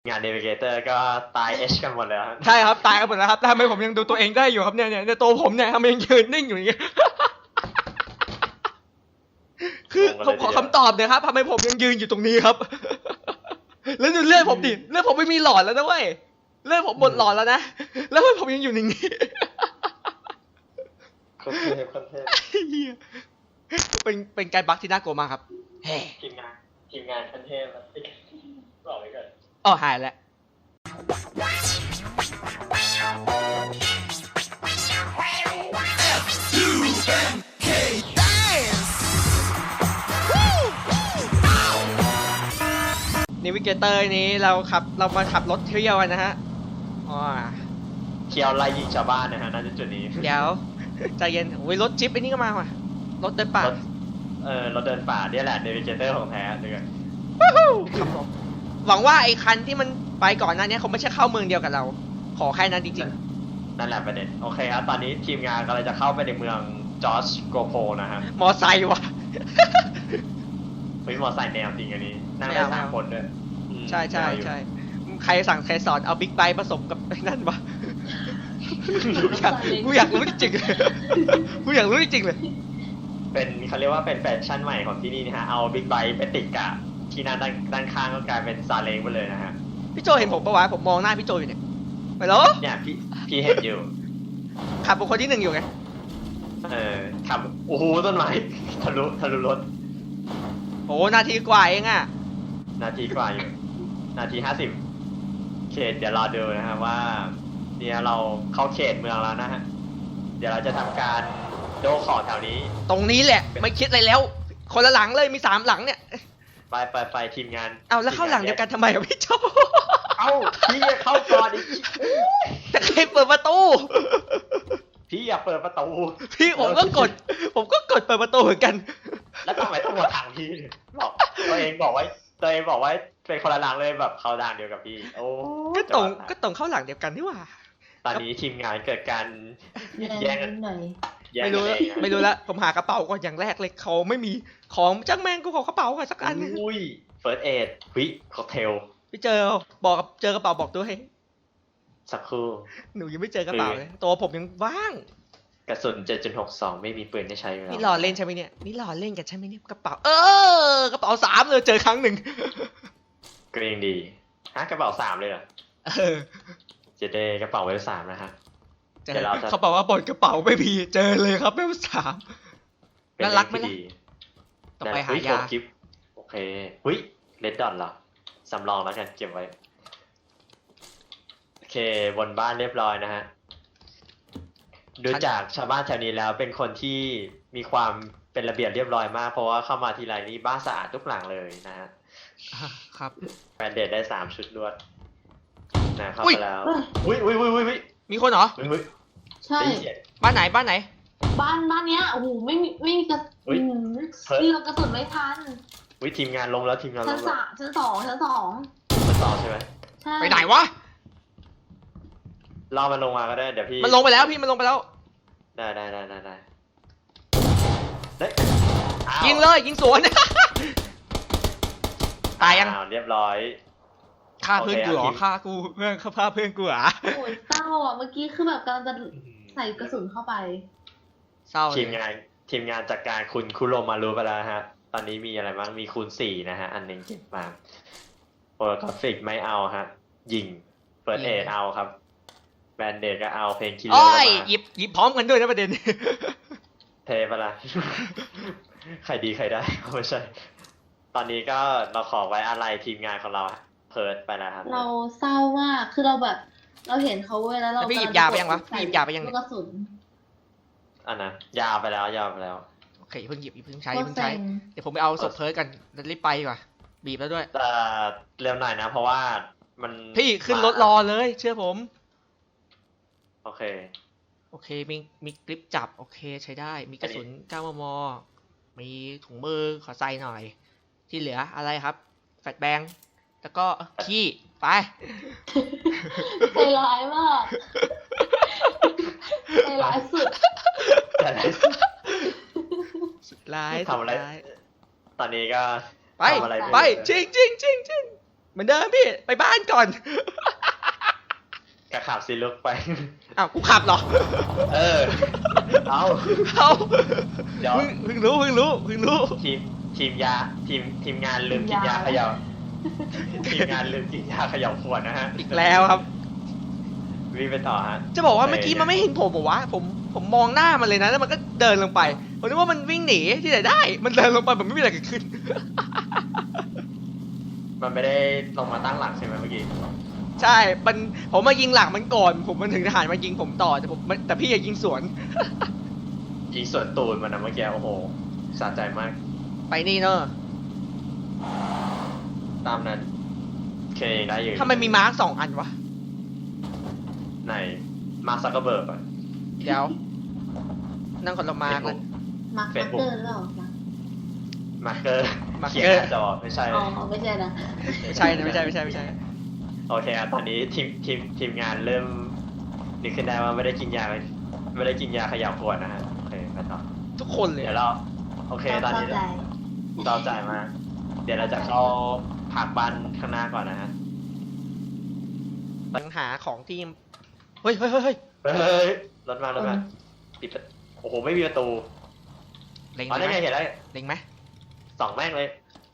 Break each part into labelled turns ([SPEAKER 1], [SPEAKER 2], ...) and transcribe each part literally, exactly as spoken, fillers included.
[SPEAKER 1] งานเนวิเกเตอร์ก็ตายเอชกันหมดเลยครับ
[SPEAKER 2] ใช่ครับตายกันหมดแล้วครับทำไมผมยังดูตัวเองได้อยู่ครับเนี่ยเนี่ยตัวผมเนี่ยทำไมยังยืนนิ่งอยู่อย่างเงี้ยคือผมขอคำตอบเลยครับทำไมผมยังยืนอยู่ตรงนี้ครับแล้วดูเลือดผมดิเลือดผมไม่มีหลอดแล้วนะเว้ยเลือดผมหมดหลอดแล้วนะแล้วผมยังอยู่อย่างนี้
[SPEAKER 1] คนเทพคนเทพ
[SPEAKER 2] เป็นเป็นการบั๊กที่น่ากลัวมากครับ
[SPEAKER 1] ทีมงานทีมงานคนเทพบอกไว้ก่อน
[SPEAKER 2] อ๋อหายแล้วนิวิเกเตอร์นี้เราขับเรามาขับรถเที่ยวกันนะฮะอ๋อ
[SPEAKER 1] เที่ยวไล่ยิงชาวบ้านนะฮะน่าจะจุดนี้
[SPEAKER 2] เดี๋ยวใจเย็นโอ้ยรถจิ๊ปไอ้นี่ก็มาว่ะรถเดินป่า
[SPEAKER 1] เออรถเดินป่าเนี่ยแหละเนวิเกเตอร์ของแท้เลยครับ
[SPEAKER 2] ผมหวังว่าไอ้คันที่มันไปก่อนหน้านี้คงไม่ใช่เข้าเมืองเดียวกับเราขอแค่นั้นจริง
[SPEAKER 1] ๆนั่นแหละประเด็นโอเคครับตอนนี้ทีมงานกำลังจะเข้าไปในเมืองจอร์จโกโพนะฮะ
[SPEAKER 2] มอไซค์ว่ะ
[SPEAKER 1] เฮ้ยมอไซค์แนวจริงอันนี้นั่งได้สามคนด้วย
[SPEAKER 2] ใช่ใช่ใช่ใครสั่งใครสอนเอาบิ๊กไบค์ผสมกับนั่นวะกูอยากรู้จริงๆกูอยากรู้จริงๆเลย
[SPEAKER 1] เป็นเขาเรียกว่าเป็นแฟชั่นใหม่ของที่นี่นะฮะเอาบิ๊กไบค์ไปติดกับที่นั่นด้านข้างก็กลายเป็นซาเล้งไปเลยนะฮะ
[SPEAKER 2] พี่โจเห็นผมปะวะผมมองหน้าพี่โจอยู่เนี่ยไปแล้ว
[SPEAKER 1] เนี่ยพี่พี่เห็นอยู่
[SPEAKER 2] ขับเป็นคนที่หนึ่งอยู่ไง
[SPEAKER 1] เออขับโอ้โหต้นไม้ทะลุทะลุรถ
[SPEAKER 2] โอ้นาทีกว่าเองอะ
[SPEAKER 1] นาทีกว่าอยู่นาทีห้าสิบเขตเดี๋ยวรอดูนะครับว่าเนี่ยเราเข้าเขตเมืองแล้วนะฮะเดี๋ยวเราจะทำการโดขอแถวนี้
[SPEAKER 2] ตรงนี้แหละไม่คิดอะไรแล้วคนละหลังเลยมีสามหลังเนี่ย
[SPEAKER 1] ไปไปไปทีมงาน
[SPEAKER 2] เอาแล้วเข้าหลังเดียวกันทำไมอะพี่โจ
[SPEAKER 1] เอ้าพี่จะเข้าก่อนอีก
[SPEAKER 2] แต่ใครเปิดประตู
[SPEAKER 1] พี่อย่าเปิดประตู
[SPEAKER 2] พี่ผมก็กดผมก็กดเปิดประตูเหมือนกัน
[SPEAKER 1] แล้วทำไมต้องมาทางพี่บอกตัวเองบอกไว้ตัวเองบอกไว้เป็นคนละหลังเลยแบบเข้าด่านเดียวกับพี่โอ้
[SPEAKER 2] ก็ตรงก็ตรงเข้าหลังเดียวกันนี่หว่า
[SPEAKER 1] ตอนนี้ทีมงานเกิดการแย่งกัน
[SPEAKER 2] ไม่รู้ไม่รู้ละผมหากระเป๋าก่อนอย่างแรกเลยเขาไม่มีของจังแมงกูขอกระเป๋าก่อนสักอัน
[SPEAKER 1] อุ้ยเฟิร์สเอดวิค็อกเทล
[SPEAKER 2] พี่เจอบอกกับเจอกระเป๋าบอกด้วย
[SPEAKER 1] สักครู่
[SPEAKER 2] หนูยังไม่เจอกระเป๋าเลยตัวผมยังว่าง
[SPEAKER 1] กระสุน เจ็ดจุดหกสอง ไม่มีปืนให้ใช้แล้ว
[SPEAKER 2] นี่หล่อเล่นใช่ไหมเนี่ยนี่หล่อเล่นกันใช่ไหมเนี่ยกระเป๋าเออกระเป๋าสามเลยเจอครั้งหนึ่ง
[SPEAKER 1] ก็ยังดีฮะกระเป๋าสามเลยเหรอ
[SPEAKER 2] เออ
[SPEAKER 1] เจเดกระเป๋าเวลสามนะฮะ
[SPEAKER 2] เดี๋ยวเราเขาบอกว่าบนกระเป๋าไม่มีเจอเลยครับเวลสามน่ารักไหมล่ะต้องไปหายา
[SPEAKER 1] โอเคหุ้ยเลดดอนเหรอสำรองแล้วกันเก็บไว้โอเคบนบ้านเรียบร้อยนะฮะดูจากชาวบ้านแถวนี้แล้วเป็นคนที่มีความเป็นระเบียบเรียบร้อยมากเพราะว่าเข้ามาทีไรนี่บ้านสะอาดทุกหลังเลยนะฮะ
[SPEAKER 2] ครับ
[SPEAKER 1] แบนเดดได้สามชุดรวดนะเข้าไปแล้วอุ้ยอุ้ยอุ้ยอุ้ย
[SPEAKER 2] มีคนเหรอ
[SPEAKER 3] ใช่
[SPEAKER 2] บ้านไหนบ้านไหน
[SPEAKER 3] บ้านบ้านเนี้ยโอ้โหไม่มีไม่มีกระสุนนี่เรากระสุนไม่ทัน
[SPEAKER 1] วิทีมงานลงแล้วทีมงานลง
[SPEAKER 3] ชั้นสามชั้นสองชั้นสอง
[SPEAKER 1] ชั้นสองใช่ไหม
[SPEAKER 3] ใช่
[SPEAKER 2] ไปไหนวะ
[SPEAKER 1] รอมันลงมาก็ได้เดี๋ยวพี่
[SPEAKER 2] มันลงไปแล้วพี่มันลงไปแล้ว
[SPEAKER 1] ได้ได้ได้ได้ได้เฮ้ย
[SPEAKER 2] ยิงเลยยิงสวนตายยัง
[SPEAKER 1] เรียบร้อย
[SPEAKER 2] ฆ่าเพื่อนกูเหรอฆ่ากูเพื่อนฆ่าเพื่อนกูเหรอ
[SPEAKER 3] โอ้ยเศร้าอ่ะเมื่อกี้คือแบบกำลังจะใส่กระสุนเข้าไป
[SPEAKER 2] เศร้า
[SPEAKER 1] ทีมงานทีมงานจัดการคุณคุโรมารู้ไปแล้วฮะตอนนี้มีอะไรบ้างมีคูณสี่นะฮะอันหนึ่งเก็บมาโปรกราฟิกไม่เอาฮะยิงเปิดเอทเอาครับแบนเดดก็เอาเพลงคิลเลอร์มา
[SPEAKER 2] หยิบหยิบพร้อมกันด้วยนะประเด็น
[SPEAKER 1] เทปะล่ะใครดีใครได้ไม่ใช่ตอนนี้ก็เราขอไว้อะไรทีมงานของเราเพิร์ดไปแล้วครับ
[SPEAKER 3] เราเศร้ามากคือเราแบบเราเห็นเขาเว้ยแล้วเรา
[SPEAKER 2] พี่หยิบยาไปยังวะพี่หยิบยาไปยัง
[SPEAKER 3] กระสุน
[SPEAKER 1] อันนั้นยาไปแล้วยาไปแล้ว
[SPEAKER 2] โอเคเพิ่งหยิบเพิ่งใช้เพิ่งใช้เดี๋ยวผมไปเอาศพเพิร์ดกันรีบไปดีกว่าบีบแล้วด้วย
[SPEAKER 1] แต่เร็วหน่อยนะเพราะว่ามัน
[SPEAKER 2] พี่ขึ้นรถรอเลยเชื่อผม
[SPEAKER 1] โอเค
[SPEAKER 2] โอเคมีมีกริปจับโอเคใช้ได้มีกระสุนเก้ามมมีถุงมือขอใส่หน่อยที่เหลืออะไรครับแฟลชแบงแล้วก็ขี้ไป
[SPEAKER 3] ใจร้ายมากใจร้ายสุด
[SPEAKER 1] ใจร้ายสุด
[SPEAKER 2] สุดร้าย
[SPEAKER 1] ทำอะไรตอนนี้ก็
[SPEAKER 2] ไปไปจริงจริงจริงจริงเหมือนเดิมพี่ไปบ้านก่อน
[SPEAKER 1] กระขับสิลุกไป
[SPEAKER 2] อ้าวกูขับเหรอ
[SPEAKER 1] เออ เอา
[SPEAKER 2] เอา
[SPEAKER 1] เดี๋ยว
[SPEAKER 2] เพิ่งเพิ่งรู้เพิ่งรู้เพิ่งรู้
[SPEAKER 1] ทีมทีมยาทีมทีมงานลืมกินยาเขย่าทีมงานลืมกินยาเขย่าขวดนะฮะ
[SPEAKER 2] อีกแล้วครับ
[SPEAKER 1] วิ่งไปต่อฮะ
[SPEAKER 2] จะบอกว่าเมื่อกี้มันไม่เห็นผมบอกว่าผมผมมองหน้ามันเลยนะแล้วมันก็เดินลงไปผมนึกว่ามันวิ่งหนีที่ไหนได้ มันเดินลงไปแบบไม่มีอะไรเกิดขึ้น
[SPEAKER 1] มันไม่ได้ลงมาตั้งหลักใช่ไหมเมื่อกี้
[SPEAKER 2] ใช่มันผมมายิงหลังมันก่อน ผมมันถึงทหารมายิงผมต่อแต่ผมแต่พี่อย่ายิงสวน
[SPEAKER 1] ยิงส่วนตูนมันนะเมื่อกี้โอ้โหสะใจมาก
[SPEAKER 2] ไปนี่เนอะ
[SPEAKER 1] ตามนั้นโอเคได้อยู่
[SPEAKER 2] ทำไมมีมาร์กสองอันวะ
[SPEAKER 1] ไหนมาซักเกอร์เบิร์กอ่ะ
[SPEAKER 2] เดี๋ยว นั่งคนละมาร์กเลย
[SPEAKER 3] มาร์คเกอร์หรือเปล่า
[SPEAKER 1] มาร์เกอร์
[SPEAKER 2] มาร์เก
[SPEAKER 1] เขีย
[SPEAKER 2] อร์
[SPEAKER 1] นหน้าจอไม่ใช่
[SPEAKER 3] อ๋อไม่ใช่นะ
[SPEAKER 2] ไม่ใช่นะไม่ใช่ไม่ใช่ไม่ใช่
[SPEAKER 1] โอเคครับตอนนี้ทีมทีมทีมงานเริ่มนึกขึ้นได้ว่าไม่ได้กินยาไม่ได้กินยาเขย่าขวดนะฮะโอเคไปต่อ
[SPEAKER 2] ทุกคนเลย
[SPEAKER 1] เดี๋ยวเราโอเคตอนนี้
[SPEAKER 3] เข้าใจ
[SPEAKER 1] เราจ่ายมา เดี๋ยวเราจะเข้าผักบ้านข้างหน้าก่อนนะฮะ
[SPEAKER 2] ปัญหาของทีมเฮ้ยเฮ้ยเฮ้ยเฮ้ย
[SPEAKER 1] เฮ้ยรถมารถมาปิดประโอ้โหไม่มีประตู
[SPEAKER 2] เล็ง
[SPEAKER 1] อ๋อ
[SPEAKER 2] ไหม
[SPEAKER 1] ได้ไงเห็นแล้ว
[SPEAKER 2] เล็งไหม
[SPEAKER 1] สองแม่งเลย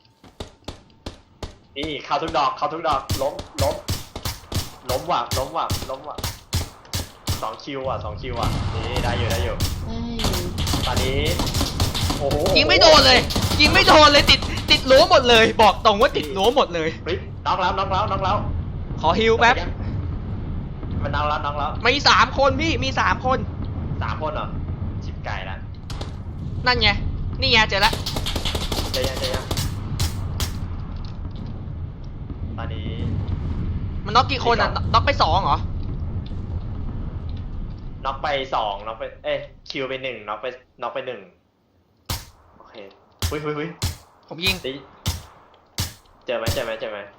[SPEAKER 1] นี่เข้าทุกดอกเข้าทุกดอกล้มล้มล้มว่ะล้มว่ะล้มว่ะสองคิวอ่ะสองคิวอ่ะนี่ได้อยู่ได้อยู่
[SPEAKER 3] เฮ้ย
[SPEAKER 1] ตอนนี้โอ้โห
[SPEAKER 2] ยิงไม่โดนเลย ยิงไม่โดนเลยติดติดรั้วหมดเลย บอกตรงว่าติดรั้วหมดเลย
[SPEAKER 1] เฮ้ยน้องแล้วน้องแล้วน้องแล้ว
[SPEAKER 2] ขอฮิวแป๊บ
[SPEAKER 1] มันน้องแล้วน้องแล้ว
[SPEAKER 2] มีสามคนพี่มีสามคน
[SPEAKER 1] สามคนเหรอชิบไก่ละ
[SPEAKER 2] นั่นไงนี่ไงเจอละ
[SPEAKER 1] ใจยังใจยังตอนนี้
[SPEAKER 2] มันน็อกกี่คนอ่ะน็อกไปสองเหรอ
[SPEAKER 1] น็อกไปสองน็อกไปเอ้ยคิวไปหนึ่งน็อกไปน็อกไปหนึ่งโอเคหุยหุยหุย
[SPEAKER 2] ผมยิง
[SPEAKER 1] ดิเจอไหมเจอไหมเจอไหม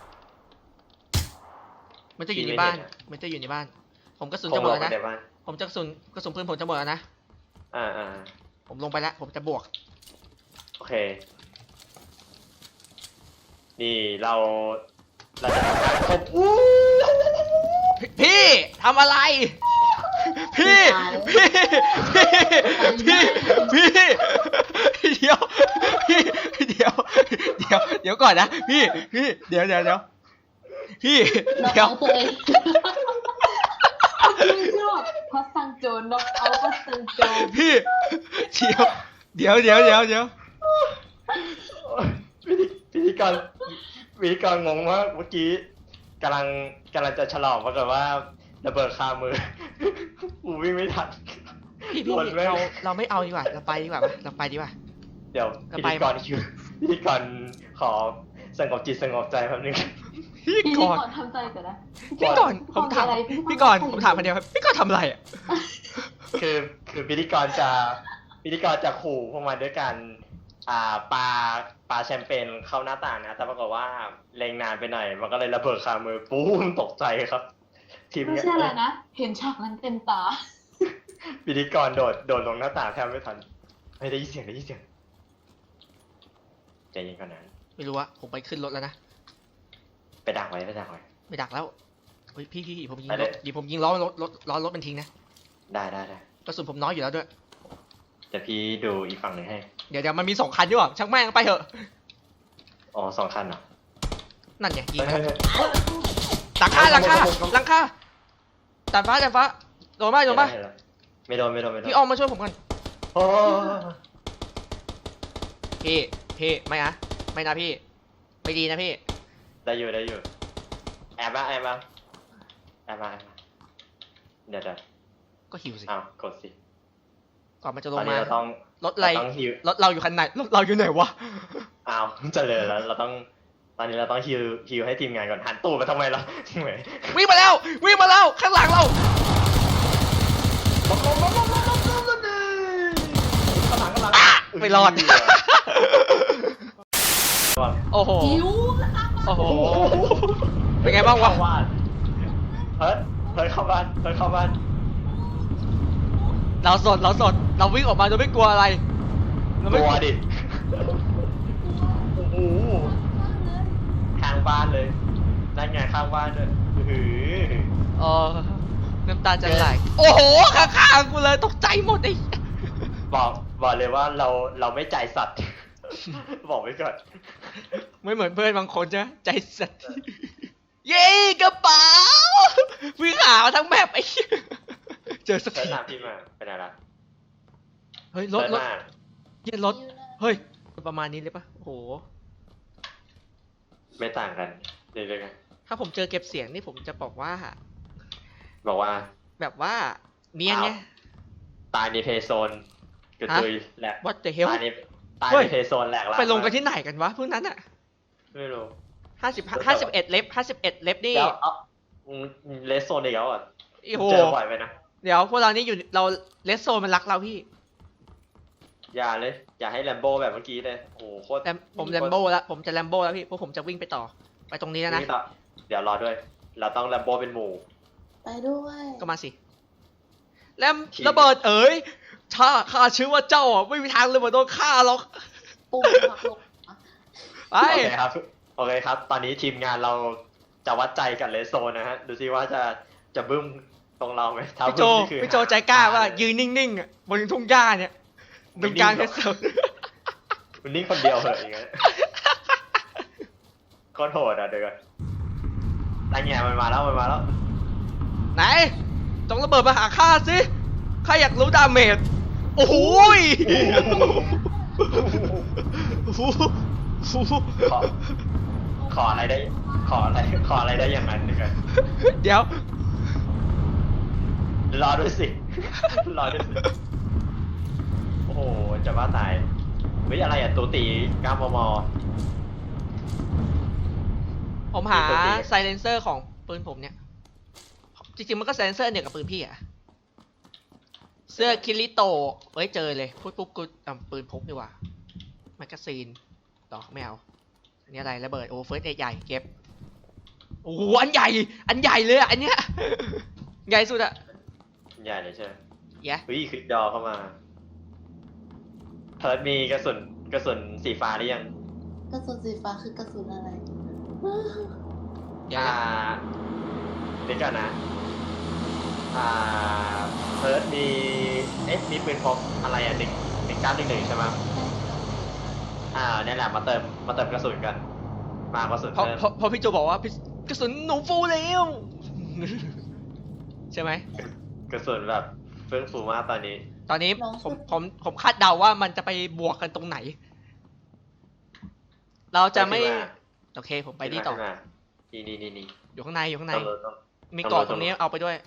[SPEAKER 2] มันจะอยู่ใน
[SPEAKER 1] ยิงไม่
[SPEAKER 2] บ้าน
[SPEAKER 1] เห็นอะ
[SPEAKER 2] มันจะอยู่ในบ้าน ผมกระสุน
[SPEAKER 1] คง
[SPEAKER 2] จะหม
[SPEAKER 1] ล
[SPEAKER 2] ด
[SPEAKER 1] ง
[SPEAKER 2] แล้ว
[SPEAKER 1] ไป
[SPEAKER 2] นะ
[SPEAKER 1] ในบ้าน
[SPEAKER 2] ผมจะกระสุนกระสุนปืนผมจะหมดแล้วนะ
[SPEAKER 1] อ่าอ่า
[SPEAKER 2] ผมลงไปแล้ว ผมจะบวก
[SPEAKER 1] โอเค นี่เราเราจะทำการครบอู้
[SPEAKER 2] พี่พี่ทำอะไร พี่ พี่ พี่ พี่ พี่ เดี๋ยว พี่ เดี๋ยว เดี๋ยว เดี๋ยวก่อนนะ พี่ พี่ เดี๋ยวเดี๋ยวเดี๋ยวพี่
[SPEAKER 3] น็อก
[SPEAKER 2] เดี๋ยว
[SPEAKER 3] เอาตัวเองไม่ชอบพัสซังโจนน็อกเอาพัสซังโจน
[SPEAKER 2] พี่ เดี๋ยว เดี๋ยวเดี๋ยวเดี๋ยวเดี๋ยว
[SPEAKER 1] พิธีพิธีกรพิธีกรงงมากเมื่อกี้กำลังกำลังจะฉลองปรากฏว่าระเบิดคามือ กูวิ่งไม่ทัน
[SPEAKER 2] พี่พี่
[SPEAKER 1] โดนแม่ง
[SPEAKER 2] เราเราไม่เอาดีกว่า เราไปดีกว่าปะเราไปดีกว่า
[SPEAKER 1] เดี๋ยว
[SPEAKER 2] จะ
[SPEAKER 1] พิ
[SPEAKER 2] ไป
[SPEAKER 1] ธีกรคิวพิธีกรขอสงบจิตสงบใจแป๊บนึง
[SPEAKER 2] พี่
[SPEAKER 3] พี่
[SPEAKER 2] ก่อน
[SPEAKER 3] ก่อนทำใจก่อนนะ
[SPEAKER 2] พี่ก่อนผมถาม
[SPEAKER 3] อะไร
[SPEAKER 2] พี่ก่อนผมถามคนเดียวครับพี่ก่อนทำอะไรอ่ะ
[SPEAKER 1] คือคือพิธีกรจะพิธีกรจะขู่พวกมันด้วยการอ่าปาปาแชมเปญเข้าหน้าต่างนะแต่ปรากฏว่าเล็งนานไปหน่อยมันก็เลยระเบิดคามือปุ้มตกใจครับ ทีม
[SPEAKER 3] ไม่
[SPEAKER 1] เนี้ย
[SPEAKER 3] ใช่อะไรนะ เห็นฉากนั้นเต็มตา
[SPEAKER 1] พิธีกรโดดโดดลงหน้าต่างแทบไม่ทันไม่ได้ยินเสียงได้ยินเสียงใจเย็นก่อนนะ
[SPEAKER 2] ไม่รู้ว่าผมไปขึ้นรถแล้วนะ
[SPEAKER 1] ไปดักไว้ไปดักไว้
[SPEAKER 2] ไม่ดักแล้วเฮ้ยพี่พี่ผมยิง
[SPEAKER 1] ไป
[SPEAKER 2] ร
[SPEAKER 1] เล
[SPEAKER 2] ถ
[SPEAKER 1] ย
[SPEAKER 2] ยิงผมยิงล้อรถรถล้อรถมันทิ้งนะ
[SPEAKER 1] ได้ได้ได้
[SPEAKER 2] กระสุนผมน้อยอยู่แล้วด้วย
[SPEAKER 1] เดี๋ยวพี่ดูอีกฝั่งหนึ่งให้
[SPEAKER 2] เดี๋ยวเดี๋ยวมันมีสองคันด้วยช่างแม่งไปเถอะ
[SPEAKER 1] อ๋อสองคันเหรอ
[SPEAKER 2] นั่นไงยิง
[SPEAKER 1] เฮ้ย
[SPEAKER 2] ไป
[SPEAKER 1] เฮ้ยเฮ้ย
[SPEAKER 2] หลังคาหลังคา
[SPEAKER 1] ผมผมผม
[SPEAKER 2] หลังคาดาดฟ้าดาดฟ้าโดนป่ะโดนป่ะ
[SPEAKER 1] เห็นแล้วไม่โดนไม่โดนไม่โดน
[SPEAKER 2] พี่ออมมาช่วยผมก่อน
[SPEAKER 1] โอ้
[SPEAKER 2] พี่พี่ไม่นะไม่นะพี่ไม่ดีนะพี่
[SPEAKER 1] ได้อยู่ได้อยู่แอบมาแอบมาแอบมาแอบมาเดี๋ยวเดี๋ยว
[SPEAKER 2] ก็หิวสิ
[SPEAKER 1] อ้าวกดสิ
[SPEAKER 2] ก่อนมันจะล
[SPEAKER 1] ตอง นนี้
[SPEAKER 2] มา
[SPEAKER 1] เราต้อง
[SPEAKER 2] รถอะไร
[SPEAKER 1] เราต้องฮิว
[SPEAKER 2] รถเราอยู่คันไหนรถเราอยู่ไหนวะ
[SPEAKER 1] อ้าวเจริญแล้วเราต้องตอนนี้เราต้องฮิวฮิวให้ทีมงานก่อนหันตู้ไปทำไมล่ะเหมือน
[SPEAKER 2] วิ่งมาแล้ววิ่งมาแล้วข้างหลังเรา
[SPEAKER 1] ข้างหลังข้างหลัง
[SPEAKER 2] อ่ะไม่รอด โอ้โห
[SPEAKER 3] หิว
[SPEAKER 2] โอ้โหเป็นไงบ้างวะ
[SPEAKER 1] เข้บ้านเฮ้ยเฮ้ยเข้าบ้านเฮ้ยเข้าบ้าน
[SPEAKER 2] เราสดเราสดเราวิ่งออกมาโดยไม่กลัวอะไรเรา
[SPEAKER 1] ก
[SPEAKER 2] ไม่
[SPEAKER 1] ลัวดิโอ้โหทางบ้านเลยนั่นไงข้างบ้านด้วยหือ
[SPEAKER 2] เออน้ำตาจะไหลโอ้โหข้างๆกูเลยตกใจหมดไอ้
[SPEAKER 1] บอกบอกเลยว่าเราเราไม่ใจสัตว์ บอกไว้ก่อน
[SPEAKER 2] ไม่เหมือนเพื่อนบางคนจะใจสัตว์เย้กระเป๋าวิ่งหามาทั้งแบบไอ้ เจอสัก
[SPEAKER 1] เซิร์
[SPEAKER 2] ที
[SPEAKER 1] ชตามพี่มาเป็นอะไร
[SPEAKER 2] เฮ้ยรถ
[SPEAKER 1] เซิร์ช
[SPEAKER 2] รถ
[SPEAKER 1] มา
[SPEAKER 2] เย็นรถเฮ้ยประมาณนี้เลยปะโอ้โห
[SPEAKER 1] ไม่ต่างกันเรื่อยๆกัน
[SPEAKER 2] ถ้าผมเจอเก็บเสียงนี่ผมจะบอกว่า
[SPEAKER 1] บอกว่า
[SPEAKER 2] แบบว่าเนียนไง
[SPEAKER 1] อ้าว ตายในเพย์โซนกระตุยแหลก
[SPEAKER 2] what the hell
[SPEAKER 1] ตายในตาย
[SPEAKER 2] เฮ้
[SPEAKER 1] ใน
[SPEAKER 2] ย
[SPEAKER 1] เพย์โซนแหลกละ
[SPEAKER 2] ไปลงกันที่ไหนกันวะพวกนั้นอะ
[SPEAKER 1] ไม่รู้
[SPEAKER 2] ห้าสิบห้าสิบเอ็ดเล็บห้าสิบเอ็ดเล็บนี่
[SPEAKER 1] แล้วเอาเลสโซนอีกแล้วอ่ะ
[SPEAKER 2] โอ้โห
[SPEAKER 1] เจอบ่อยไปนะ
[SPEAKER 2] เดี๋ยวพวกเรานี่อยู่เราเลสโซมันรักเราพี่
[SPEAKER 1] อย่าเลย อย่าให้แลมโบแบบเมื่อกี้เลยโอ้โหโคตร
[SPEAKER 2] แต่ผมแลมโบ้แล้วผมจะแลมโบ้แล้วพี่เพราะผมจะวิ่งไปต่อ ไปตรงนี้แล้วนะ
[SPEAKER 1] นี่ต่อเดี๋ยวรอด้วย เราต้องแลมโบเป็นหมู่
[SPEAKER 3] ไปด้วย
[SPEAKER 2] ก็มาสิแลมระเบิดเอ๋ยถ้าข้าชื่อว่าเจ้าอ่ะไม่มีทางเลยมาโดนฆ่าหรอก
[SPEAKER 3] ปุ่มหักลง
[SPEAKER 2] ไป
[SPEAKER 1] โอเคครับ โอเคครับ ตอนนี้ทีมงานเราจะวัดใจกับเลสโซนนะฮะ ดูซิว่าจะจะบึ้มตรงเราไหมถ้า
[SPEAKER 2] พี่โจ
[SPEAKER 1] บึ้มนี่คือ
[SPEAKER 2] พี่โจใจกล้าว่ายืนนิ่งๆอ่ะบนทุ่งหญ้าเนี่ยตรงกลางเลสโซน
[SPEAKER 1] มันนิ่งคนเดียวเหรออย่างเงี้ยโคตรโหดอ่ะเดี๋ยวก่อนไอ้เงี้ยมันมาแล้วมันมาแล้ว
[SPEAKER 2] ไหนจงระเบิดมาหาข้าสิข้าอยากรู้ดาเมจโอ้โหยโอ้โห
[SPEAKER 1] ขอขออะไรได้ ขออะไรขออะไรได้อย่างนั้นเดี๋ยวก่อน
[SPEAKER 2] เดี๋ยว
[SPEAKER 1] รอด้วยสิ รอด้วยสิ โอ้โห จะบ้าตายเฮ้ยอะไรอ่ะตูตีเก้ามม
[SPEAKER 2] ผมหา
[SPEAKER 1] ปกติ
[SPEAKER 2] ไซเลนเซอร์ของปืนผมเนี่ย จริงๆมันก็ไซเลนเซอร์เนี่ยกับปืนพี่อะเสื้อคิริโตะเอ้ยเจอเลยพูดปุ๊บกูอ่ะปืนพกดีกว่าแมกกาซีนต่อไม่เอาอันนี้อะไรระเบิดโอ้เฟิร์สเอใหญ่เก็บโอ้โหอันใหญ่ อันใหญ่เลยอะอันเนี้ย ใหญ่สุดอะ
[SPEAKER 1] ใหญ่เลยใช่ไหม
[SPEAKER 2] แย่
[SPEAKER 1] เฮ้ยคลิกดอเข้ามาเพิร์ดมีกระสุนกระสุนสีฟ้าหรือยัง
[SPEAKER 3] กระสุนสีฟ้าคือกระสุนอะไร
[SPEAKER 2] แย่
[SPEAKER 1] อ่าเดี๋ยวก่อนนะ อ่า เพิร์ดมี เอ๊ะ มีปืนพกอะไรอ่ะหนึ่งหนึ่งเก้าหนึ่งหนึ่งใช่ไหมอ่าเนี่ยแหละมาเติม มาเติมกระสุนกัน มากระสุน
[SPEAKER 2] เพราะ
[SPEAKER 1] เพิ่ม
[SPEAKER 2] เพราะเพราะพี่โจบอกว่าพี่กระสุนหนูฟูแล้ว ใช่ไหม
[SPEAKER 1] กระสุนแบบเฟื่องฟูมากตอนนี้
[SPEAKER 2] ตอนนี้
[SPEAKER 3] น้อง
[SPEAKER 2] ผม
[SPEAKER 3] สุด
[SPEAKER 2] ผมผมคาดเดาว่ามันจะไปบวกกันตรงไหน เราจะไม่
[SPEAKER 1] ขึ้นมา
[SPEAKER 2] โอเคผมไปนี่ต่อ
[SPEAKER 1] ขึ้นมานี่นี่นี่นี่
[SPEAKER 2] อยู่ข้างในอยู่ข้างใน
[SPEAKER 1] ตำรวจต้อง
[SPEAKER 2] มี
[SPEAKER 1] ตำรวจ
[SPEAKER 2] เกาะตรงนี้เอาไปด้วย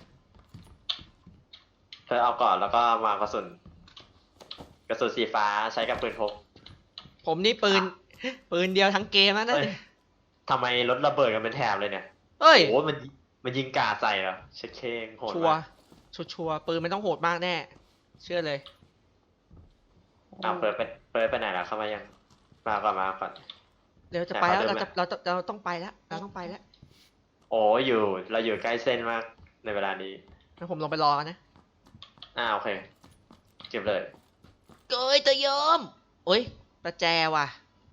[SPEAKER 1] เธอเอาก่อนแล้วก็มากระสุน กระสุนสีฟ้าใช้กับปืนพก
[SPEAKER 2] ผมนี่ปืน ปืนเดียวทั้งเกมนะนั่น
[SPEAKER 1] เฮ้ยทำไมรถระเบิดกันเป็นแถบเลยเนี่ย
[SPEAKER 2] เฮ้ย
[SPEAKER 1] โอ้โหมันมันยิงกาดใส่เหรอเช็ดเคงโหด
[SPEAKER 2] ชัวร์
[SPEAKER 1] มาก
[SPEAKER 2] ชัวร์ชัวร์ปืนมันต้องโหดมากแน่ เชื่อเลย
[SPEAKER 1] อ่าเปิดไปเปิดไปไหนแล้วเข้ามายัง มาก่อนมาก่อน
[SPEAKER 2] เดี๋ยวจะไปแล้ว
[SPEAKER 1] แต่
[SPEAKER 2] เรา
[SPEAKER 1] เขาเดิ
[SPEAKER 2] จะ
[SPEAKER 1] นมา
[SPEAKER 2] เราจะเราต้องไปแล้วเราต้องไปแล้ว
[SPEAKER 1] โอ้อยู่ เราอยู่ใกล้เส้นมากในเวลานี้
[SPEAKER 2] งั้นผมลงไปรอกันนะ
[SPEAKER 1] อ่าโอเค เก็บเลย
[SPEAKER 2] เกยตะยอมโอ้ยประแจว่ะ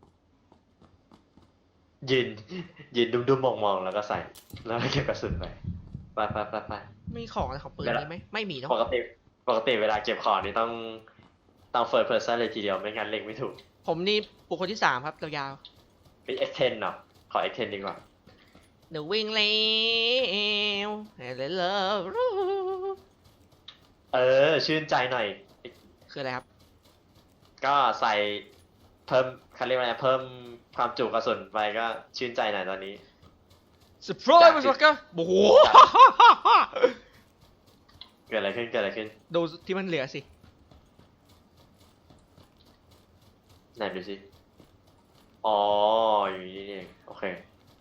[SPEAKER 1] ยืน ยืนดุมดุมมองมองๆแล้วก็ใส่ แล้วก็เก็บกระสุนไป ไปไปไปไป
[SPEAKER 2] มีของอะไรของปืน
[SPEAKER 1] เดี๋ยว
[SPEAKER 2] นี้ไหมไม่มีเนอะ
[SPEAKER 1] ปกติ ปกติเวลาเก็บของนี่ต้อง ต้อง first person เลยทีเดียวไม่งั้นเล็งไม่ถูก
[SPEAKER 2] ผมนี่บุคคลที่สามครับยาว
[SPEAKER 1] เป็น เอ็กซ์ เท็น เนาะ ขอ เอ็กซ์ เท็น ดีกว่า
[SPEAKER 2] ๆเดี๋ยววิ่งเร็วเลยเลิฟ
[SPEAKER 1] เออ ชื่นใจหน่อย
[SPEAKER 2] คืออะไรครับ
[SPEAKER 1] ก็ใส่เพิ่มเขาเรียกว่าอะไรเพิ่มความจุกระสุนไปก็ชื่นใจหน่อยตอนนี้
[SPEAKER 2] สปรอยมันสักก็โอ้โห
[SPEAKER 1] เกิดอะไรขึ้นเกิดอะไรขึ้น
[SPEAKER 2] ดูที่มันเหลือสิ
[SPEAKER 1] ไหนดูสิ อ๋อ อยู่นี่เอง โอเค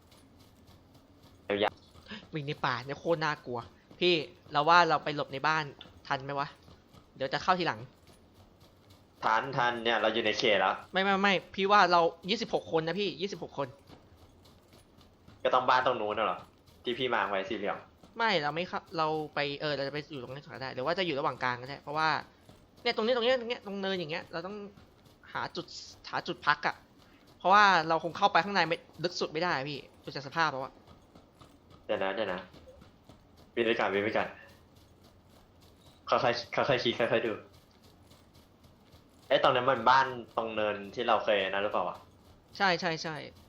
[SPEAKER 2] วิ่งในป่าเนี่ยโคตรน่ากลัว พี่เราว่าเราไปหลบในบ้านทันไหมวะ เดี๋ยวจะเข้าทีหลัง
[SPEAKER 1] ทันทันเนี่ย เราอยู่ในเขตแล้ว
[SPEAKER 2] ไม่ไม่ไม่พี่ว่าเรายี่สิบหกคนนะพี่ยี่สิบหกคน
[SPEAKER 1] ก็ต้องบ้านตรงนู้นน่ะเหรอ ที่พี่มาร์คไว้สี่เหลี่ยม
[SPEAKER 2] ไม่เราไม่เข้าเราไปเออเราจะไปอยู่ตรงนี้ก็ได้หรือว่าจะอยู่ระหว่างกลางก็ได้เพราะว่าเนี่ยตรงนี้ตรงนี้ตรงเนี้ยตรงเนินอย่างเงี้ยเราต้องหาจุดหาจุดพักอะเพราะว่าเราคงเข้าไปข้างในไม่ลึกสุดไม่ได้พี่จดูจากสภาพแล้วอะ
[SPEAKER 1] เดี๋ยวนะเดี๋ยวนะวินไปก่อนวินไปก่อนค่อยๆค่อยๆคิดค่อยๆดูเอ้ตรงนั้นมันบ้านตรงเนินที่เราเคยนะหรือเปล่าวะ
[SPEAKER 2] ใช่ใช่ใช่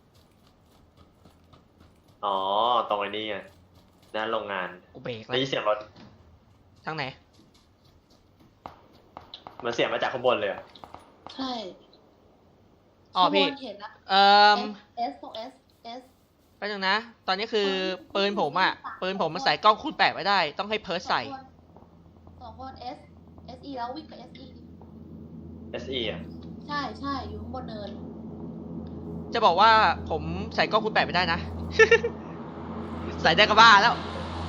[SPEAKER 1] อ๋อตรงไอ้นี่ไงนั่นโรงงาน
[SPEAKER 2] กูเบรกแล้
[SPEAKER 1] ได้
[SPEAKER 2] ว
[SPEAKER 1] ยินเสียงรถ
[SPEAKER 2] ทางไหน
[SPEAKER 1] มันเสียงมาจากข้างบนเลยอะ
[SPEAKER 3] ใช่
[SPEAKER 2] อ๋อพี่
[SPEAKER 3] ข้างบนเห็นละ
[SPEAKER 2] เอ่อ
[SPEAKER 3] S ตรง S S
[SPEAKER 2] แป๊บนึงนะ ตอนนี้คือปืนผมอะปืนผมมันใส่กล้องคูณแปดไว้ได้ ต้องให้เพิร์สใส่
[SPEAKER 3] สองคน S S E แล้ววิ่งไป S E
[SPEAKER 1] เอสอีอ่ะ
[SPEAKER 3] ใช่ใช่อยู่ข้างบนเนิน
[SPEAKER 2] จะบอกว่าผมใส่กล้องคูณแปดไม่ได้นะ ใส่ได้ก็บ้าแล้ว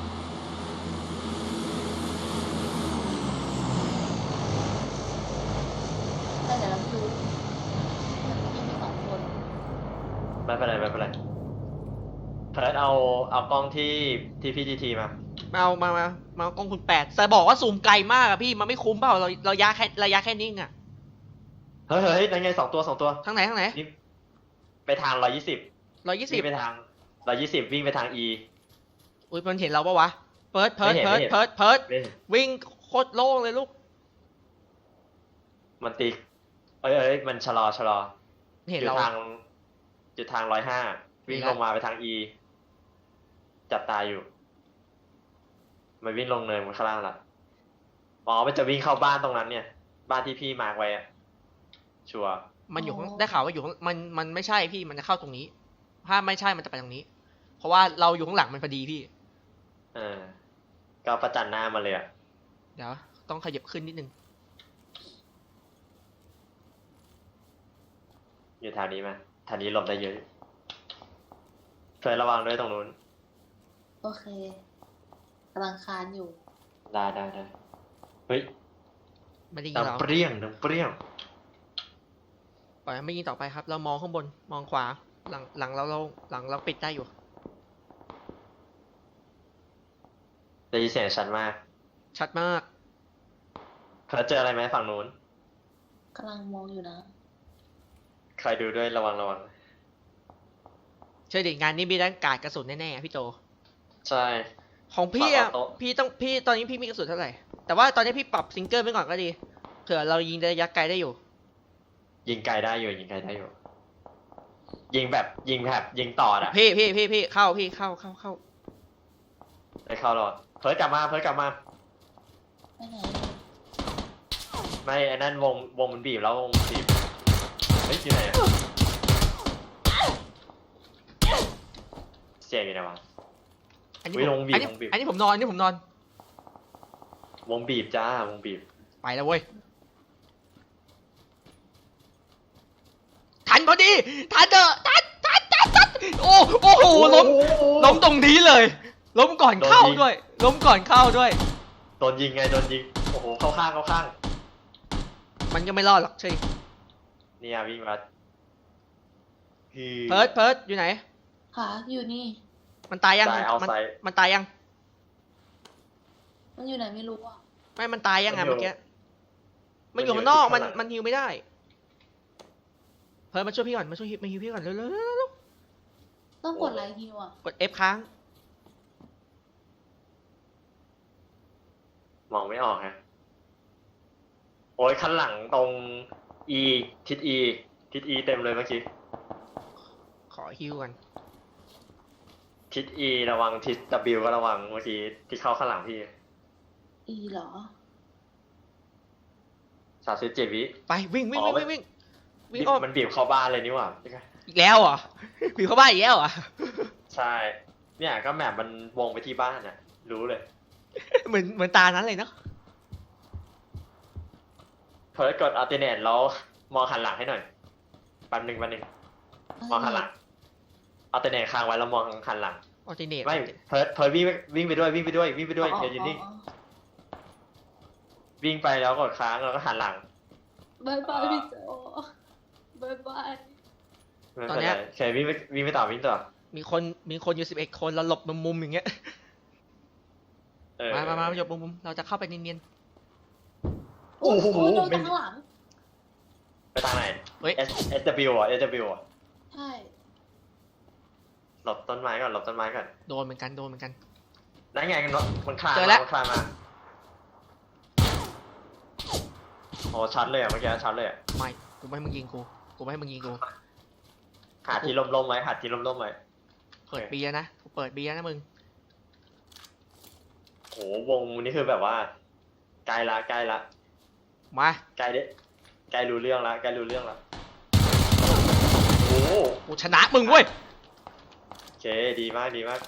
[SPEAKER 3] แต่เดี๋ยวเราดูยังมีสองคน
[SPEAKER 1] ไม่เป็นไรไม่เป็นไรเพิร์ดเอาเอากล้องที่ที่พี่ทีทีมา
[SPEAKER 2] มาเอามามามาเอากล้องคูณแปดแต่บอกว่าซูมไกลมากอะพี่มันไม่คุ้มเปล่าเราเรายะแค่ระยะแค่นิ่งอะ
[SPEAKER 1] เฮ้ยเฮ้ยนั่นไงสองตัวสองตัว
[SPEAKER 2] ทางไหนทางไหน
[SPEAKER 1] นี่ไปทางร้อยยี่สิบ
[SPEAKER 2] ร้อยยี่สิ
[SPEAKER 1] วิ่
[SPEAKER 2] บ
[SPEAKER 1] งไปทางร้อยยี่สิบวิ่งไปทาง E
[SPEAKER 2] อุ้ยมันเห็นเราปะวะเพิร์ดเพิร์ด
[SPEAKER 1] ไม่
[SPEAKER 2] เพิร์ด
[SPEAKER 1] เห็น
[SPEAKER 2] เพิร์ดเพิร์ด
[SPEAKER 1] ไม่เห็น
[SPEAKER 2] วิ่งโคตรโล่งเลยลูก
[SPEAKER 1] มันตีเอ้ยเอ้ยมันชะลอชะลอ
[SPEAKER 2] เห็น
[SPEAKER 1] อยู่
[SPEAKER 2] เรา
[SPEAKER 1] ทางอยู่ทางร้อยห้าวิ่ง
[SPEAKER 2] เห็น
[SPEAKER 1] ล
[SPEAKER 2] ละ
[SPEAKER 1] งมาไปทาง E จับตาอยู่ มันวิ่งลงเนินมันข้างล่างละอ๋อมันจะวิ่งเข้าบ้านตรงนั้นเนี่ย บ้านที่พี่มาร์กไว้อะชัวร์
[SPEAKER 2] มันอยู่ข้างได้ข่าวว่าอยู่ข้างมันมันไม่ใช่พี่มันจะเข้าตรงนี้ ถ้าไม่ใช่มันจะไปตรงนี้ เพราะว่าเราอยู่ข้างหลังมันพอดีพี่
[SPEAKER 1] เออก็ประจันหน้ามาเลยอะ
[SPEAKER 2] เดี๋ยวต้องขยับขึ้นนิดนึง
[SPEAKER 1] อยู่แถวนี้ไหมแถวนี้หลบได้เยอะเคยระวังด้วยตรงนู้น
[SPEAKER 3] โอเคกำลังคานอยู่
[SPEAKER 1] ได้ได้ได้เฮ้ย
[SPEAKER 2] ไม่ได้ยิ
[SPEAKER 1] ดั
[SPEAKER 2] ง
[SPEAKER 1] ง
[SPEAKER 2] เรา
[SPEAKER 1] เปรี้ยงดังเปรี้ยง
[SPEAKER 2] ปล่อยไม่ยิงต่อไปครับ เรามองข้างบนมองขวาหลังหลังเราเราหลังเราปิดได้อยู่
[SPEAKER 1] ได้ยินเสียงชัดมาก
[SPEAKER 2] ชัดมาก
[SPEAKER 1] เคยเจออะไรไหมฝั่งนู้น
[SPEAKER 3] กำลังมองอยู่นะ
[SPEAKER 1] ใครดูด้วยระวังระวัง
[SPEAKER 2] เชื่อดิงานนี้มีด้านการกระสุนแน่ๆอะพี่โต
[SPEAKER 1] ใช่
[SPEAKER 2] ของพี่อะ
[SPEAKER 1] ปรับเอาโต๊ะ
[SPEAKER 2] พี่ต้องพี่ตอนนี้พี่มีกระสุนเท่าไหร่แต่ว่าตอนนี้พี่ปรับซิงเกิลไปก่อนก็ดีเผื่อเรายิงระยะไกลได้อยู่
[SPEAKER 1] ยิงไกลได้อยู่ยิงไกลได้อยู่ ยิงแบบยิงแบบยิงต่ออะ
[SPEAKER 2] พี่พี่พี่พี่เข้าพี่เข้าเข้าเข้า
[SPEAKER 1] ได้เข้ารอดเพิร์ดกลับมาเพิร์ดกลับมา
[SPEAKER 3] ไปไหน
[SPEAKER 1] ไม่ไอ้นั่นวงวงมันบีบแล้ววงมันบีบเฮ้ยอยู่ไหนอะเสียงอยู่ไหนวะ
[SPEAKER 2] อันนี้
[SPEAKER 1] อุ๊ย
[SPEAKER 2] ผม
[SPEAKER 1] ลงบีบ
[SPEAKER 2] อันนี้
[SPEAKER 1] ลงบีบ
[SPEAKER 2] อันนี้ผมนอนอันนี้ผมนอน
[SPEAKER 1] วงบีบจ้าวงบีบ
[SPEAKER 2] ไปแล้วเว้ยทันพอดีทันเถอะทันทันทันทันโอ้โอ้โหล้มล้มตรงนี้เลย ล้มก่อนเข้าด้วย ล้มก่อนเข้าด้วย
[SPEAKER 1] โดนยิงไงโดนยิงโอ้โหเข้าข้างเข้าข้าง
[SPEAKER 2] มันก็ไม่รอดหรอกเช่ย
[SPEAKER 1] เนี่ยวิ่งมาคือ
[SPEAKER 2] เพิร์ดเพิร์ดอยู่ไหน
[SPEAKER 3] ขาอยู่นี่
[SPEAKER 2] มันตายยัง
[SPEAKER 1] ตายเอา
[SPEAKER 2] มัน
[SPEAKER 1] ไซ
[SPEAKER 2] มันตายยัง
[SPEAKER 3] มันอยู่ไหนไม่รู้อ่ะ
[SPEAKER 2] ไม่มันตายยังไง
[SPEAKER 1] มันอยู่
[SPEAKER 2] เมื่อกี้ มันอ
[SPEAKER 1] มันอยู่
[SPEAKER 2] ยู่ข้างนอก
[SPEAKER 1] ที่
[SPEAKER 2] มัน
[SPEAKER 1] ข้างหลัง
[SPEAKER 2] มันฮิวไม่ได้ เพิร์ดมาช่วยพี่ก่อนมาช่วยฮิวมาฮิวพี่ก่อนเร็วเร็วเร็วเร็ว
[SPEAKER 3] ต้องกดไลค์ฮิวอ่ะ
[SPEAKER 2] กด F ค้าง
[SPEAKER 1] มองไม่ออกฮะโอ้ยข้างหลังตรง E ทิศ E ทิศ E เต็มเลยเมื่อกี้
[SPEAKER 2] ขอฮิวก่อน
[SPEAKER 1] ทิศ E ระวังทิศ W ก็ระวังเมื่อกี้ที่เข้าข้างหลังพี่
[SPEAKER 3] อีเหรอ
[SPEAKER 1] สามสิบเจ็ดวิ
[SPEAKER 2] ไปวิ่งวิ่ง
[SPEAKER 1] อ๋อ
[SPEAKER 2] วิ่งวิ่งวิ่งวิ่งอ้อม
[SPEAKER 1] มันบีบเข้าบ้านเลยนี่หว่า
[SPEAKER 2] อีกแล้วเหรอ ผีเข้าบ้านอีกแล้วเหรอ
[SPEAKER 1] ใช่ เนี่ยก็แมปมันวงไปที่บ้านน่ะ รู้เลย
[SPEAKER 2] เหมือนเหมือนตานั้นเลยเนาะ
[SPEAKER 1] เพิร์ดกดอัลเทอร์เนทแล้วมองหันหลังให้หน่อยแป๊บหนึ่งแป๊บหนึ่งมองหันหลังอัลเทอร์เนทค้างไว้แล้วมองหันหลัง
[SPEAKER 2] ออติเนต
[SPEAKER 1] ไม่เพิร์ดเพิร์ดวิ่งวิ่งไปด้วยวิ่งไปด้วยวิ่งไปด้วยเดี๋ยวอยู่นิ่งวิ่งไปแล้วกดค้างแล้วก็หันหลัง
[SPEAKER 3] บายบายพี่โจบายบาย
[SPEAKER 1] ไม่เป็นไรแค่วิ่งไปวิ่งไปต่อวิ่งต่อ
[SPEAKER 2] มีคนมีคนอยู่สิบเอ็ดคนเราหลบมุมมุมอย่างเงี้ย
[SPEAKER 1] เออ
[SPEAKER 2] มามามาหลบมุมมุมเราจะเข้าไปเนียน
[SPEAKER 1] โอ้โห
[SPEAKER 3] โดน
[SPEAKER 1] ไม่
[SPEAKER 3] จากข้างหลัง
[SPEAKER 1] ไปทางไหน
[SPEAKER 2] ๆเฮ้ย
[SPEAKER 1] S S W อ่ะ S W อ่ะ
[SPEAKER 3] ใช่
[SPEAKER 1] หลบต้นไม้ก่อนหลบต้นไม้ก่อน
[SPEAKER 2] โดนเหมือนกันโดนเหมือนกัน
[SPEAKER 1] นั่นไงมันมันคลาน
[SPEAKER 2] เจอแล้ว
[SPEAKER 1] มันคลานมาโอ้ชัดเลยอ่ะเมื่อกี้ชัดเลยอ่ะ
[SPEAKER 2] ไม่กูไม่ให้มึงยิงกูกูไม่ให้มึงยิงกู
[SPEAKER 1] หาที่ล่มๆไว้หาที่ล่มๆไว้
[SPEAKER 2] เปิดเบียร์นะกูเปิดเบียร์นะมึง
[SPEAKER 1] โหวงนี่คือแบบว่าใกล้ละใกล้ละ
[SPEAKER 2] มา
[SPEAKER 1] ใกล้เด้ใกล้รู้เรื่องละใกล้รู้เรื่องละโอ้
[SPEAKER 2] กูชนะมึงเว้ย
[SPEAKER 1] โอเคดีมากดีมาก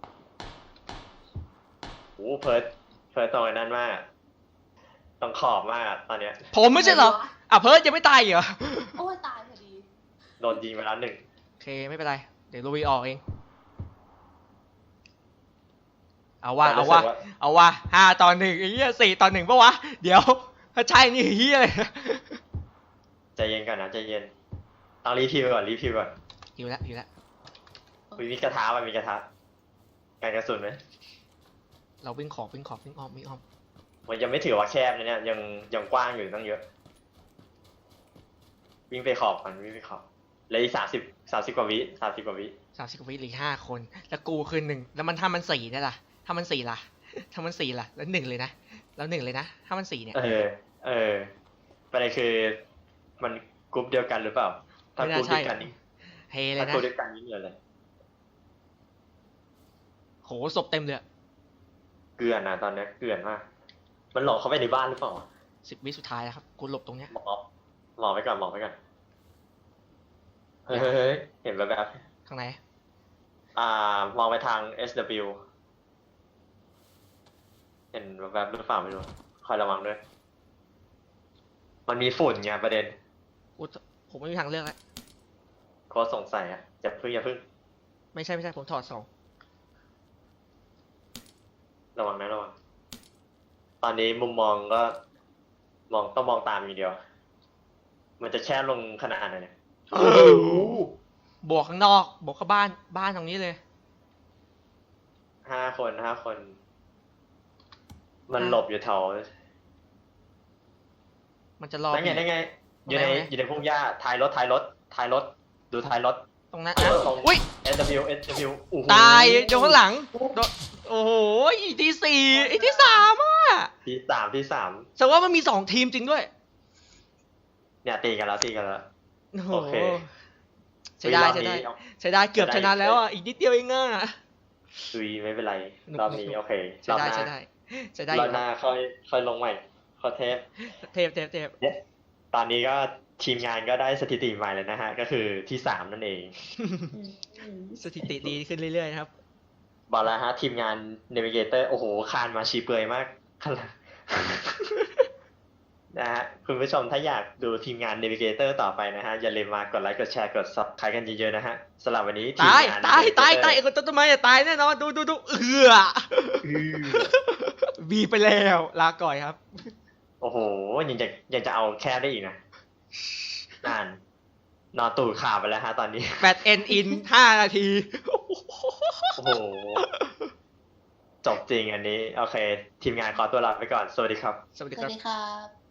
[SPEAKER 1] โอ้เพิร์ดเพิร์ดตรงนั้นมากต้องขอบมากอะตอนเนี้ย
[SPEAKER 2] ผมไม่ใช่เหรออ่ะเพิร์ดยังไม่ตายอีกเหรอ
[SPEAKER 3] โอ้ยตายพอดี
[SPEAKER 1] โดนยิงไปแล้วหนึ่ง
[SPEAKER 2] โอเคไม่เป็นไรเดี๋ยวลุยออกเองเอาว่า
[SPEAKER 1] แต่
[SPEAKER 2] เอา
[SPEAKER 1] รู้
[SPEAKER 2] ว่า
[SPEAKER 1] สึก
[SPEAKER 2] เอาว่าห้าต่อหนึ่งไอ้เหี้ยสี่ต่อหนึ่งปะวะเดี๋ยวถ้าใช่นี่เหี้ยเลย
[SPEAKER 1] ใจเย็นก่อนนะใจเย็นต้องรีพิวก่อนรีพิวก่อน
[SPEAKER 2] อยู่แล้วอยู่แล้ว
[SPEAKER 1] มีมีกระทะไหมมีกระทะการกระสุนไหม
[SPEAKER 2] เราวิ่งขอบวิ่งขอบวิ่งอ้อมวิ่งอ้อม
[SPEAKER 1] มันยังไม่ถือว่าแคบนะเนี่ยยังยังกว้างอยู่ตั้งเยอะ วิ่งไปขอบมันวิ่งไปขอบเหลยสามสิบสามสิบกว่าวิสามสิบกว่าวิ
[SPEAKER 2] สามสิบกว่าวิเหลือห้าคนแล้วกูคือหนึ่งแล้วมันถ้ามันสี่เนี่ยล่ะถ้ามันสี่ล่ะถ้ามันสี่ล่ะแล้วหนึ่งเลยนะแล้วหนึ่งเลยนะถ้ามันสี่เนี่ย
[SPEAKER 1] เออ เออประเด็นคือมันกรุ๊ปเดียวกันหรือเปล่า ถ้ากรุ๊ปเดียวกันนี่
[SPEAKER 2] เฮเล
[SPEAKER 1] ถ้าย
[SPEAKER 2] นะ
[SPEAKER 1] กรุ๊ปเดียวกันนี่เหลืออะไร
[SPEAKER 2] โหศพเต็มเลย
[SPEAKER 1] เกลือนนะตอนเนี้ยเกลือนมาก มันหลอกเข้าไปในบ้านหรือเปล่า
[SPEAKER 2] สิบวิสุดท้ายแล้วครับกูหลบตรงเนี้ย
[SPEAKER 1] หมอหมอไปก่อนหมอไปก่อนเฮ้ยเฮ้ยเฮ้ยเห็นแบบแบบ
[SPEAKER 2] ข้างใน
[SPEAKER 1] อ่ามองไปทาง เอส ดับเบิลยู เห็นแบบแบบหรือเปล่าไม่รู้คอยระวังด้วย มันมีฝุ่นไงประเด็น
[SPEAKER 2] กูผมไม่มีทางเลือกแล้ว
[SPEAKER 1] โค้ชสงสัยอ่ะอย่าพึ่งอย่าพึ่ง
[SPEAKER 2] ไม่ใช่ไม่ใช่ผมถอดสอง
[SPEAKER 1] ระวังนะระวัง ตอนนี้มุมมองก็ มองต้องมองตามอย่างเดียว มันจะแช่ลงขนาดไหนเนี่ย
[SPEAKER 2] บวกข้างนอกบวกเข้าบ้านบ้านตรงนี้เลย
[SPEAKER 1] ห้าคนห้าคน มันหลบอยู่แถว
[SPEAKER 2] มันจะรอ
[SPEAKER 1] นั่นไงนั่นไง อยู่ใน
[SPEAKER 2] ตรงไหน
[SPEAKER 1] อยู่ในพุ่มหญ้าท้ายรถท้ายรถท้ายรถ ดูท้ายรถ
[SPEAKER 2] ตรงนั้น
[SPEAKER 1] เอ
[SPEAKER 2] นะ
[SPEAKER 1] อตรง
[SPEAKER 2] อุ้ย
[SPEAKER 1] เอส ดับเบิลยู เอส ดับเบิลยู โอ้โห
[SPEAKER 2] ตายโดนข้างหลังโดนโอ้โหอีกที่สี่อีกที่สามอ่ะ
[SPEAKER 1] ที่สามที่สาม
[SPEAKER 2] แสดงว่ามันมีสองทีมจริงด้วย
[SPEAKER 1] เนี่ยตีกันแล้วตีกันแล้ว
[SPEAKER 2] โอ้โห
[SPEAKER 1] โอเค
[SPEAKER 2] ใช้ได้
[SPEAKER 1] รอบ
[SPEAKER 2] ใช้ได้
[SPEAKER 1] นี้เอา
[SPEAKER 2] ใช้ได้เกือบชนะแล้วอ่ะอีกนิดเดียวเองอ่ะ
[SPEAKER 1] ซุยไม่เป็นไร
[SPEAKER 2] หนุก
[SPEAKER 1] รอบนี้
[SPEAKER 2] หนุก
[SPEAKER 1] โอเค
[SPEAKER 2] ใช้
[SPEAKER 1] รอบ
[SPEAKER 2] ได้
[SPEAKER 1] หน้า
[SPEAKER 2] ใช้ได้ใช้ได้อ
[SPEAKER 1] รอยู่ บหน้าค่อยค่อยลงใหม่ขอเทป
[SPEAKER 2] เทปเทปเทป
[SPEAKER 1] ตอนนี้ก็ทีมงานก็ได้สถิติใหม่เลยนะฮะ ก็คือที่สามนั่นเอง
[SPEAKER 2] สถิติดีขึ้นเรื่อยๆนะครับ
[SPEAKER 1] บอกแล้วฮะ ทีมงาน Navigator โอ้โหคานมาชีเปลือยมาก ขนาด นะฮะคุณผู้ชมถ้าอยากดูทีมงาน Navigator ต่อไปนะฮะ อย่าลืมมากดไลค์กดแชร์กด Subscribe กันเยอะๆนะฮะสำหรับวันนี้ทีม
[SPEAKER 2] ตาย
[SPEAKER 1] งาน
[SPEAKER 2] ตายตาย
[SPEAKER 1] Navigator
[SPEAKER 2] ตายไอ้คนต้นไม้จะตายแน่นอนดูดูดูเอือ
[SPEAKER 1] อื้อ
[SPEAKER 2] บีไปแล้วลาก่อยครับ
[SPEAKER 1] โอ้โหยังจะยังจะเอาแคบได้อีกนะนานนอนตูดขาไปแล้วฮะตอนนี้
[SPEAKER 2] แบตเอ็นอินห้านาที
[SPEAKER 1] โอ้โห จบจริงอันนี้ โอเค ทีมงานขอตัวลาไปก่อน สวัสดีครับ
[SPEAKER 2] สวัสดี
[SPEAKER 3] ส
[SPEAKER 2] ค
[SPEAKER 3] วั
[SPEAKER 2] รั
[SPEAKER 3] ส
[SPEAKER 2] บ
[SPEAKER 3] ดีครับ